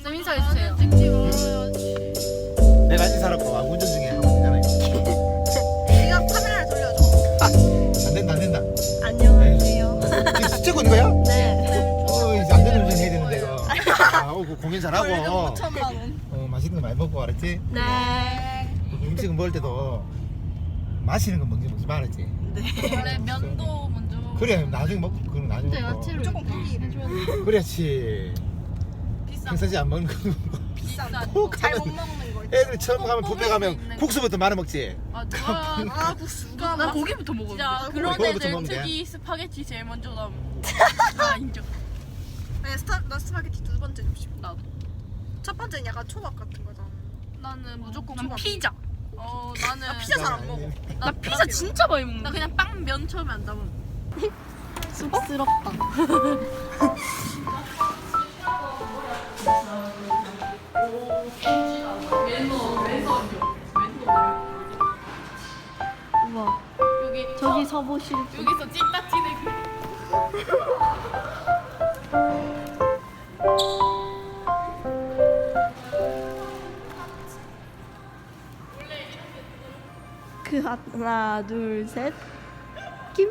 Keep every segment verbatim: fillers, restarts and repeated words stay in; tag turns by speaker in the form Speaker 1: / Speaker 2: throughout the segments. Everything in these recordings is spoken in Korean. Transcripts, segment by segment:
Speaker 1: 쌤 인사해주세요.
Speaker 2: 찍지 말아야지.
Speaker 3: 내가 인사라고 아, 운전 중에 하면 되잖아요.
Speaker 2: 네가 카메라를 돌려줘.
Speaker 3: 안 된다 안 된다.
Speaker 2: 안녕하세요.
Speaker 3: 지금 찍고 있는 거야?
Speaker 2: 네.
Speaker 3: 어 이제 안 되는 운전 해야 되는데 이거. 아, 어, 그 공연 잘하고.
Speaker 2: 오천만 원.
Speaker 3: 어 맛있는 거 많이 먹고 알았지?
Speaker 2: 네.
Speaker 3: 음식은 먹을 때도 마시는 거 먹지 먹지 말았지.
Speaker 2: 원래 면도 먼저.
Speaker 3: 그래 나중에 먹고 그럼 나중에
Speaker 1: 진짜
Speaker 3: 먹고.
Speaker 1: 야채를
Speaker 2: 무조건 고기 해줘야 돼.
Speaker 3: 그렇지.
Speaker 2: 비싼
Speaker 3: 평상시 안 먹는 거.
Speaker 2: 비싼
Speaker 3: 꼭
Speaker 2: 거. 잘 못
Speaker 3: 가면
Speaker 2: 먹는 거.
Speaker 3: 애들 처음 가면
Speaker 2: 꼭
Speaker 3: 뷔페
Speaker 2: 먹을 수
Speaker 3: 가면
Speaker 2: 있는 거.
Speaker 3: 국수부터 많이 먹지.
Speaker 2: 아, 누가 아 국수가
Speaker 1: 난 고기부터 먹어.
Speaker 2: 진짜 그런
Speaker 3: 고기부터
Speaker 2: 애들
Speaker 3: 먹으면 돼.
Speaker 2: 특이 스파게티 제일 먼저 나옴. 아 인정. 네, 스타 나 스파게티 두 번째 접시. 나도. 첫 번째는 약간 초밥 같은 거잖아. 나는 무조건
Speaker 1: 난
Speaker 2: 초밥.
Speaker 1: 피자.
Speaker 2: 어 나는 나 피자 잘 안 먹어.
Speaker 1: 나 피자 진짜 많이 먹는.
Speaker 2: 나 그냥 빵 면 처음에 안 담아.
Speaker 1: 쑥스럽다. 우와.
Speaker 2: 여기
Speaker 1: 저기 서보실 분.
Speaker 2: 여기서 찐따 티내기.
Speaker 1: 그 하나 둘 셋. 김.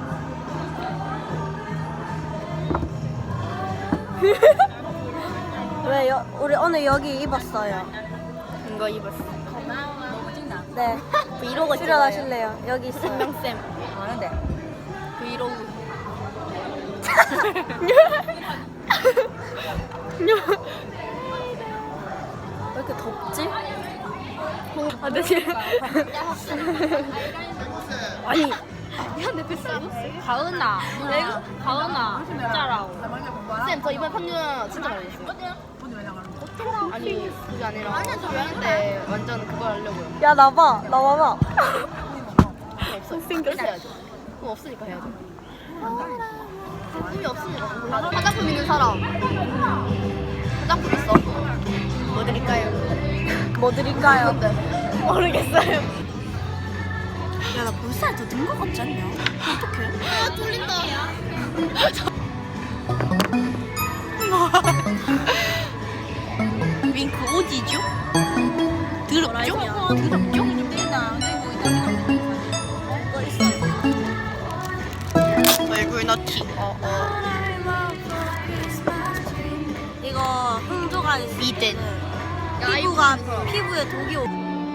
Speaker 4: 왜 여, 우리 오늘 여기 입었어요.
Speaker 1: 이거 입었어.
Speaker 4: 네.
Speaker 1: 브이로그
Speaker 4: 출연하실래요? 여기 있어요.
Speaker 1: 명쌤. 아는데. 브이로그.
Speaker 4: 왜 이렇게 덥지?
Speaker 1: 아, 네. 아니. 야, 내 뱃살 가은아. 내가 가은아. 진짜라고. 쌤, 저 이번 판유 진짜 많이 했어요. 아니, 그게 아니라 그게 하는데 완전 그거 하려고요.
Speaker 4: 야, 나봐. 나 봐봐.
Speaker 1: 없어. 생겼어. 해야죠. 그거 없으니까 해야죠. 힘이 없으니까. 화장품 있는 사람. 화장품 있어. 뭐 드릴까요?
Speaker 4: 뭐 드릴까요?
Speaker 1: 모르겠어요.
Speaker 4: 야, 나 볼살 더 든 거 같지 않냐? 어떡해?
Speaker 1: 아, 뚫린다. 윙크 오지죠? 더럽죠? 더럽죠? 얼굴 넣기. 어, 어.
Speaker 4: 이거 흥조가 있어.
Speaker 1: 미대.
Speaker 4: 피부가, 피부에 독이 오.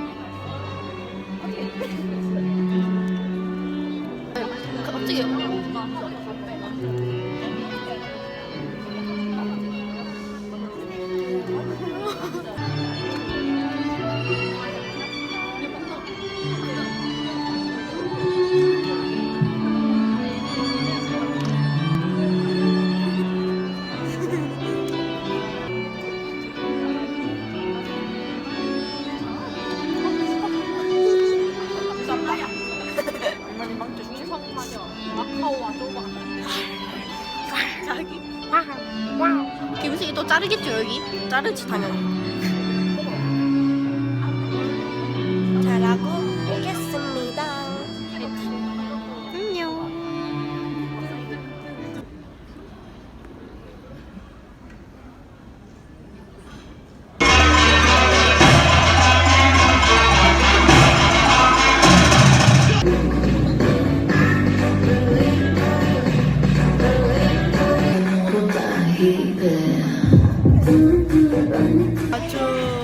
Speaker 1: 갑자기. 김승이 또 자르겠죠 여기? 자르지 당연히.
Speaker 4: 잘하고 오겠습니다.
Speaker 1: 안녕.
Speaker 4: 아주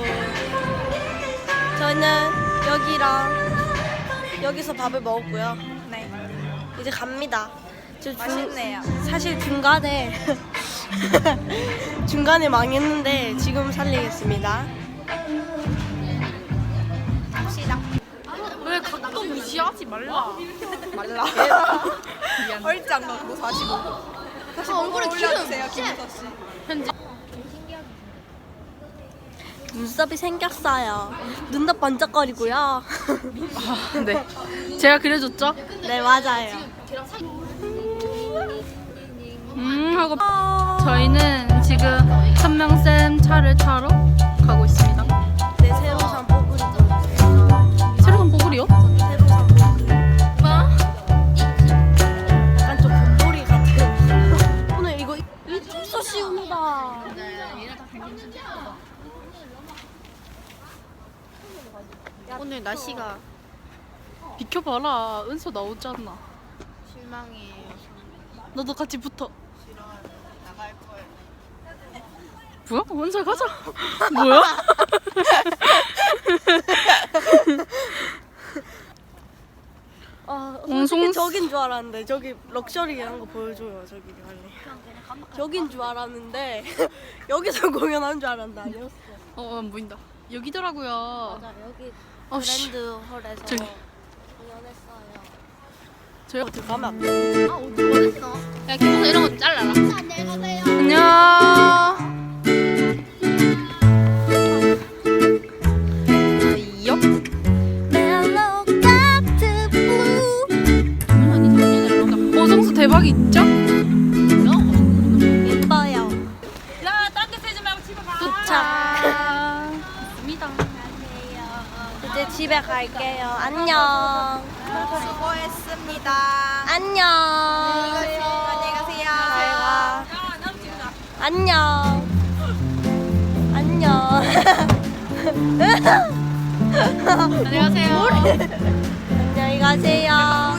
Speaker 4: 저희는 여기랑 여기서 밥을 먹었고요.
Speaker 2: 네.
Speaker 4: 이제 갑니다. 저 중-
Speaker 2: 맛있네요.
Speaker 4: 사실 중간에 중간에 망했는데 지금 살리겠습니다.
Speaker 2: 왜 각도 무시하지 말라. 말라. 얼짱 넣고 사십오. 다시
Speaker 1: 얼굴에 기름.
Speaker 2: 올려주세요, 김우서 씨.
Speaker 4: 눈썹이 생겼어요. 눈도 번쩍거리고요.
Speaker 1: 네. 제가 그려줬죠?
Speaker 4: 네, 맞아요.
Speaker 1: 음 하고 저희는 지금 선명쌤 차를 타러 가고 있습니다.
Speaker 4: 네, 새로 산 뽀글이 보여주세요.
Speaker 1: 새로 산 뽀글이요?
Speaker 4: 새로 산 뽀글이.
Speaker 1: 뭐?
Speaker 4: 약간 좀 곰돌이 같은. 오늘 이거 이쪽서 씌운다.
Speaker 1: 네, 얘네 다 오늘 날씨가
Speaker 2: 비켜봐라. 은서 나오잖아.
Speaker 1: 실망이에요.
Speaker 2: 너도 같이 붙어. 뭐야? 은서 가자. 뭐야?
Speaker 4: 아,
Speaker 2: 옹송-
Speaker 4: 솔직히 저긴 줄 알았는데 저기 럭셔리한 거 보여줘요. 저기 빨리. 저긴 줄 알았는데 여기서 공연하는 줄 알았는데 아니었어.
Speaker 2: 어, 안 보인다. 여기더라고요.
Speaker 4: 맞아, 여기
Speaker 2: 어, 씨.
Speaker 4: 브랜드 홀에서
Speaker 2: 저기.
Speaker 4: 공연했어요.
Speaker 2: 저희
Speaker 4: 어디 가면 안 돼?
Speaker 1: 아 어디 어딨어?
Speaker 2: 야, 김선수 이런 거 좀 잘라라.
Speaker 1: 안녕히 가세요.
Speaker 2: 안녕. 아이요.
Speaker 4: Mellow Doctor Blue.
Speaker 2: 어, 성수 대박 있죠?
Speaker 4: 예뻐요.
Speaker 2: 도착. 입니다.
Speaker 4: 이제 집에 갈게요. 안녕.
Speaker 2: 수고했습니다.
Speaker 4: 안녕.
Speaker 2: 안녕히 가세요.
Speaker 4: 잘 가. 안녕. 안녕.
Speaker 2: 안녕하세요.
Speaker 4: 안녕히 가세요.